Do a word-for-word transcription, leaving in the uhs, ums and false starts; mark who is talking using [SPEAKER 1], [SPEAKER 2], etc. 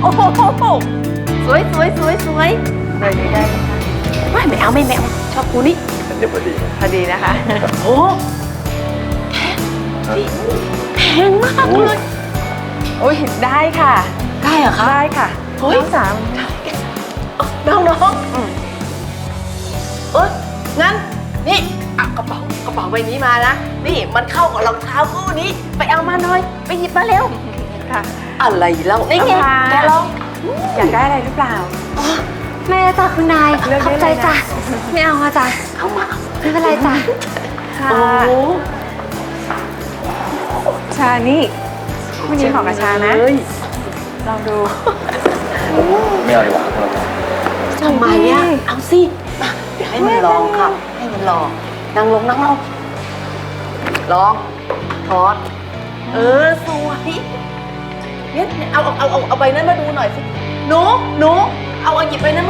[SPEAKER 1] โอ้โหสวยสวยสวยสวยเลยนี้ได้ไหมคะไม่เอาไม่แมวชอบกูนี่
[SPEAKER 2] เดี๋ยวพอดี
[SPEAKER 1] พอดีนะคะโอ้แพงมากเลยโอ้ยได้ค่ะได้เหรอคะได้ค่ะน้องสามน้องน้องเอองั้นนี่เอากระเป๋ากระเป๋าใบนี้มานะนี่มันเข้ากับรองเท้าคู่นี้ไปเอามาหน่อยไปหยิบมาเร็วค่ะอะไรแล้วนี่ไงแกลองอยากได้อะไรหรือเปล่า
[SPEAKER 3] แม่จ้ะคุณนายขอบใจจ้ะไม่เอาอะจ้ะ
[SPEAKER 1] เอามา
[SPEAKER 3] ไม่เป็นไรจ้ะ
[SPEAKER 1] โอ้
[SPEAKER 4] ชานี่วันนี้ของกระชานะ ลองดู
[SPEAKER 2] ไม่เอาดีกว่าเรา
[SPEAKER 1] ทำไมอ่ะเอาสิมาเดี๋ยวให้มันลองค่ะให้มันลองนั่งลงนั่งลงลองถอดเออสวยเนี่ยเอาเอาเอาเอาเอาใบนั้นมาดูหน่อยสิหนูหนูเอาเอาหยิบใบนั้น